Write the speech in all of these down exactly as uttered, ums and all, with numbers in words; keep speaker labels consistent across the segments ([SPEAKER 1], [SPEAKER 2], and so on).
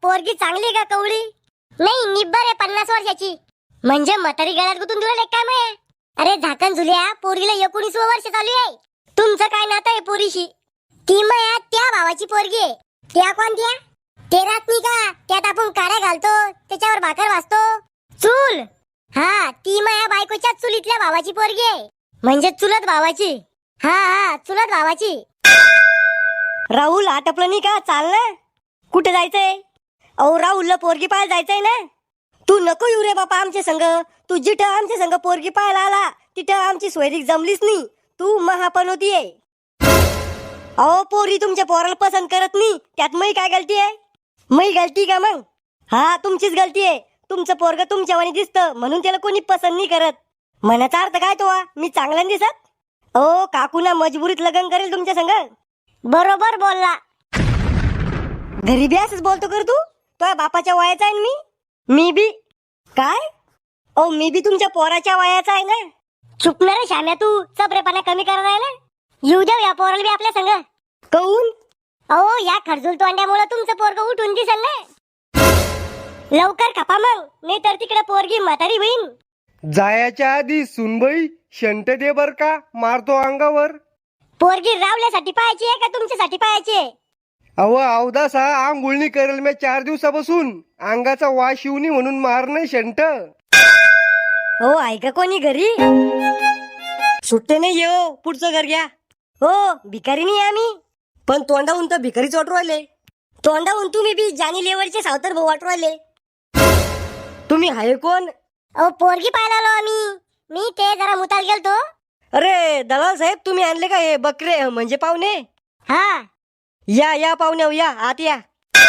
[SPEAKER 1] पोरगी चांगली का कवळी? नाही निब्बर आहे पन्नास वर्षाची. म्हणजे म्हातारी गळ्यात गुतून दिलं काय माय? अरे झाकण झुल्या, पोरीला एकोणीसवं वर्ष चालू आहे. तुमचं काय नातं आहे पोरीशी? ती माया त्या भावाची पोरगी आहे. त्या कोणत्या? ते रात नाही का त्यात आपण काड्या घालतो त्याच्यावर भाकर वाजतो चूल. हा ती माया बायकोच्या चुलीतल्या भावाची पोरगी आहे. म्हणजे चुलत भावाची. हा हा चुलत भावाची. राहुल आटपलं नाही का? चाल ना. कुठे जायचंय? अहो राहुलला पोरगी पाहायला जायचंय ना. तू नको येऊ रे बापा आमच्या संग. तू जिथं आमच्या संग पोरगी पाहायला आला तिथं आमची सोयरीक जमलीच नाही. तू महापनोती आहे. अहो पोरी तुमच्या पोराला पसंत करत नाही त्यात मी काय गलती आहे? मी गलती का मग? हा तुमचीच गलती आहे. तुमचं पोरग तुमच्यावानी दिसतं म्हणून त्याला कोणी पसंत नाही करत. मनाचा अर्थ काय तो? मी चांगला दिसत? ओ काकूना मजबुरीत लग्न करेल तुमच्या संग. बरोबर बोलला. घरी बी असंच बोलतो कर तू? तुझ्या बापाच्या वयाचा आहे मी. मी बी काय? ओ मी बी तुमच्या पोराच्या वयाचा आहे ना. चुप ना रे श्याम्या, तू चपरेपणा कमी करत आहे ना. येऊ द्या या पोराला बी आपल्या संग. कहून? अहो या खरजूल तोंड्यामुळे तुमचं पोरग उठून दिसेल ना. लवकर खपा मग, नाही तर तिकडे पोरगी म्हातारी होईन.
[SPEAKER 2] जायाच्या आधी सुनबाई शंट दे बर का, मारतो अंगावर.
[SPEAKER 1] पोरगी रावल्यासाठी पाहायची आहे का तुमच्यासाठी पाहायची आहे?
[SPEAKER 2] अव अवदासा आंघोळणी करेल मी चार दिवसापासून. अंगाचा वास येऊ नये म्हणून मार नाही शंट.
[SPEAKER 1] हो आहे का कोणी घरी?
[SPEAKER 3] सुट्टे नाही येऊ, पुढचं घर घ्या.
[SPEAKER 1] हो भिकारी नाही आम्ही.
[SPEAKER 3] पण तोंडाहून तर भिकारीच वाटू राहिले.
[SPEAKER 1] तोंडाहून तुम्ही बी जानी लेवलचे सावतर भाऊ वाटू राहिले.
[SPEAKER 3] तुम्ही हाय कोण?
[SPEAKER 1] अहो पोरगी पाहायला आलो आम्ही. मी ते जरा मुताल गेलतो.
[SPEAKER 3] अरे दलाल साहेब तुम्ही आणले का हे बकरे म्हणजे पाहुणे?
[SPEAKER 1] हा
[SPEAKER 3] या या पाहुणे या आत या.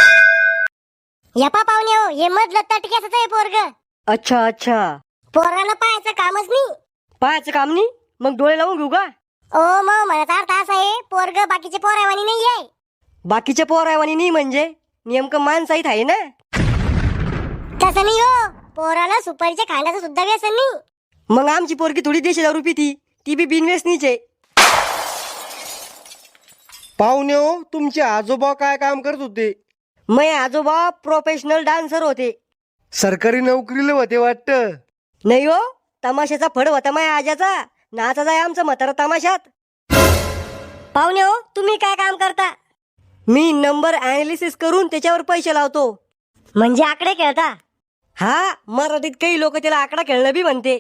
[SPEAKER 1] यपा पाहुणे हो, हे मधलं तटक्याच आहे पोरग.
[SPEAKER 3] अच्छा अच्छा.
[SPEAKER 1] पोराला पाहायचं कामच नाही.
[SPEAKER 3] पाहायचं काम नाही मग डोळे लावून घेऊ का?
[SPEAKER 1] ओ मग म्हणत अर्थ असा आहे पोरग बाकीचे पोरावानी नाही आहे.
[SPEAKER 3] बाकीचे पोरावानी नाही म्हणजे नेमकं माणसाहीत आहे ना.
[SPEAKER 1] तसं नाही हो, पोराला सुपारीच्या खांडाचं सुद्धा व्यसन नाही.
[SPEAKER 3] मग आमची पोरगी थोडी देशी दारू पिती, ती बी बिनव्यसनीचे.
[SPEAKER 2] पाहुणे हो, तुमचे आजोबा काय काम करत होते?
[SPEAKER 3] मै आजोबा प्रोफेशनल डान्सर होते.
[SPEAKER 2] सरकारी नोकरीला होते वाटतं.
[SPEAKER 3] नाही हो, तमाशाचा फड होता माया आजाचा. नाचा जाय आमचं म्हातारा तमाशात.
[SPEAKER 1] पाहुणे हो तुम्ही काय काम करता?
[SPEAKER 3] मी नंबर अनालिसिस करून त्याच्यावर पैसे लावतो.
[SPEAKER 1] म्हणजे आकडे खेळता?
[SPEAKER 3] हा मराठीत काही लोक त्याला आकडा खेळणं बी म्हणते.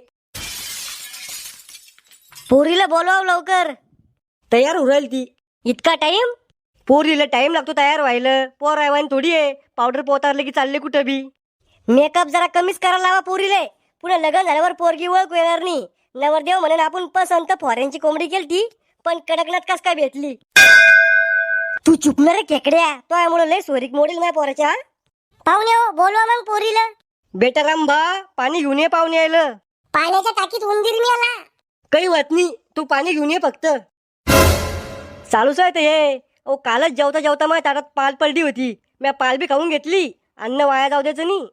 [SPEAKER 1] पोरीला बोलवाव लवकर.
[SPEAKER 3] तयार होऊ राहील ती.
[SPEAKER 1] इतका टाइम?
[SPEAKER 3] पोरीला टाइम लागतो तयार व्हायला. पोर आहे थोडी आहे पावडर पोतारले की चालले कुठं बी.
[SPEAKER 1] मेकअप जरा कमीच करायला लावा पोरीले. पुन्हा लग्न झाल्यावर पोरगी ओळख येणार नाही. नवरदेव म्हणून आपण पसंत फॉरेनची कोंबडी केलती पण कडकनाथ कस काय भेटली. तू चुकणार रे खेकड्या, तो यामुळे लय सोरीक मोडील माझ्या पोराच्या. पाहुणे हो बोलवा मग पोरीला.
[SPEAKER 3] बेटा रामबा पाणी घेऊन ये पाहुणे यायला.
[SPEAKER 1] पाण्याच्या टाकीत उंदीर मिळाला.
[SPEAKER 3] काही होत नाही तू पाणी घेऊन ये फक्त. चालूच आहे ते हे. ओ कालच जेवता जेवता माझ्या ताटात पाल पडली होती. मी पाल बी खाऊन घेतली. अन्न वाया जाऊ द्यायचं नाही.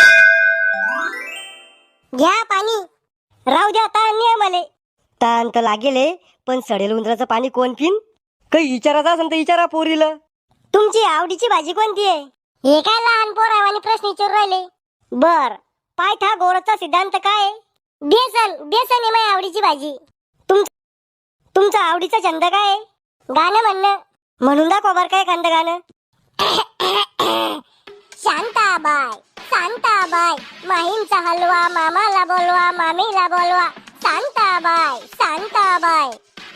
[SPEAKER 1] घ्या पाणी. राहू द्या ताण नाही मले.
[SPEAKER 3] ताण तर लागेल पण सडेल उंदराचं पाणी कोण पिन? काही विचारायचं असेल तर विचारा पोरीला.
[SPEAKER 1] तुमची आवडीची भाजी कोणती आहे? हे काय लहान पोरावानी प्रश्न विचारू राहिले. बर पायथागोरसचा सिद्धांत काय? बेसन. बेसन आहे माझी आवडीची भाजी. तुम तुमचा आवडीचा छंद काय आहे? गाणं म्हणणं. म्हणून दाखवा बर काय एखादं गाणं. शांताबाई शांताबाई माहीमचा हलवा मामाला बोलवा मामीला बोलवा. शांताबाई शांताबाई.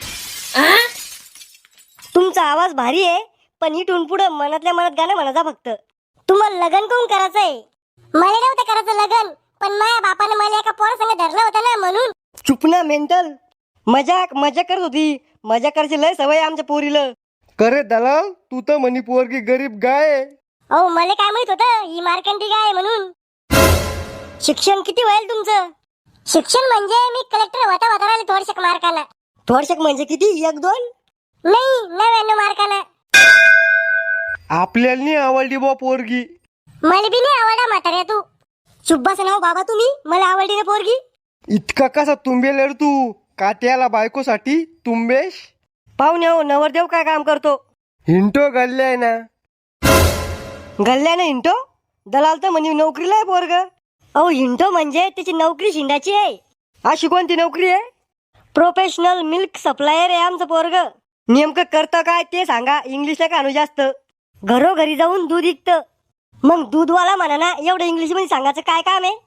[SPEAKER 1] तुमचा आवाज भारी आहे पण इथून पुढे मनातल्या मनात गाणं म्हणायचा फक्त. तुम्हाला लग्न कोण करायचंय? मला नव्हतं करायचं लग्न पण माझ्या बापाने मला एका पोरासंग धरलं होतं ना म्हणून.
[SPEAKER 3] चुप ना मेंटल. मजाक मजा करत होती. मजा करायची लय सवय आमच्या पोरीला.
[SPEAKER 2] करे दलाल, तू तर म्हणी पोरगी गरीब गाय आहे.
[SPEAKER 1] अहो मला काय माहित होतं ही मार्कंडी गाय आहे म्हणून. शिक्षण किती होईल तुमचं? शिक्षण म्हणजे मी कलेक्टर होता होता राहिले थोडशक मार्काला.
[SPEAKER 3] थोडशक म्हणजे किती? एक दोन?
[SPEAKER 1] नाही नव्याण्णव मार्काला.
[SPEAKER 2] आपल्याला नाही आवडली बा पोरगी.
[SPEAKER 1] मला बी नाही आवडा म्हाताऱ्या तू. चुप बस ना हो बाबा तुम्ही. मला आवडली ना पोरगी.
[SPEAKER 2] इतका कसा तुंबेल रे तू? काट्याला बायकोसाठी तुंबेश.
[SPEAKER 3] पाहुणे हो नवरदेव काय काम करतो?
[SPEAKER 2] हिंटो गल्ले आहे ना.
[SPEAKER 3] गल्ल्यानं हिंटो? दलाल तर म्हणे नोकरीला आहे पोरग. अहो हिंडो म्हणजे त्याची नोकरी शिंडाची आहे. अशी कोणती नोकरी आहे? प्रोफेशनल मिल्क सप्लायर आहे आमचं पोरग. नेमकं करतं काय ते सांगा, इंग्लिशला कानू जास्त. घरोघरी जाऊन दूध विकतं. मग दूधवाला म्हणा ना, एवढं इंग्लिश मध्ये सांगायचं काय काम आहे?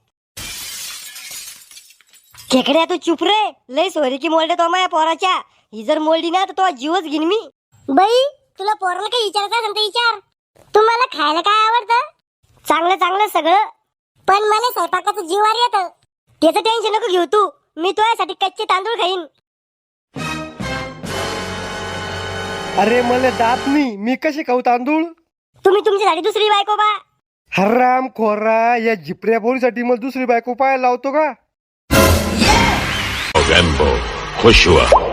[SPEAKER 3] खेकड्या तू चुप रे, लय सोरी की मोल्डे तो माया पोराच्या. ही जर मोलडी ना तर तो जीवच घेईन मी.
[SPEAKER 1] बाई तुला पोराला काही विचारायचं असेल तर विचार. तुम्हाला खायला काय आवडतं? चांगलं चांगलं सगळं, पण मला स्वयंपाकाचं जीवार येतं. त्याचं टेन्शन नको घेऊ तू, मी तुझ्यासाठी कच्चे तांदूळ खाईन.
[SPEAKER 2] अरे मला दात नाही, मी कशी खाऊ तांदूळ?
[SPEAKER 1] तुम्ही तुमच्यासाठी दुसरी बायको बा.
[SPEAKER 2] हराम खोरा, या झिपऱ्या पोरीसाठी मला दुसरी बायको पाहायला लावतो का?
[SPEAKER 4] Gambo, खुश हुआ.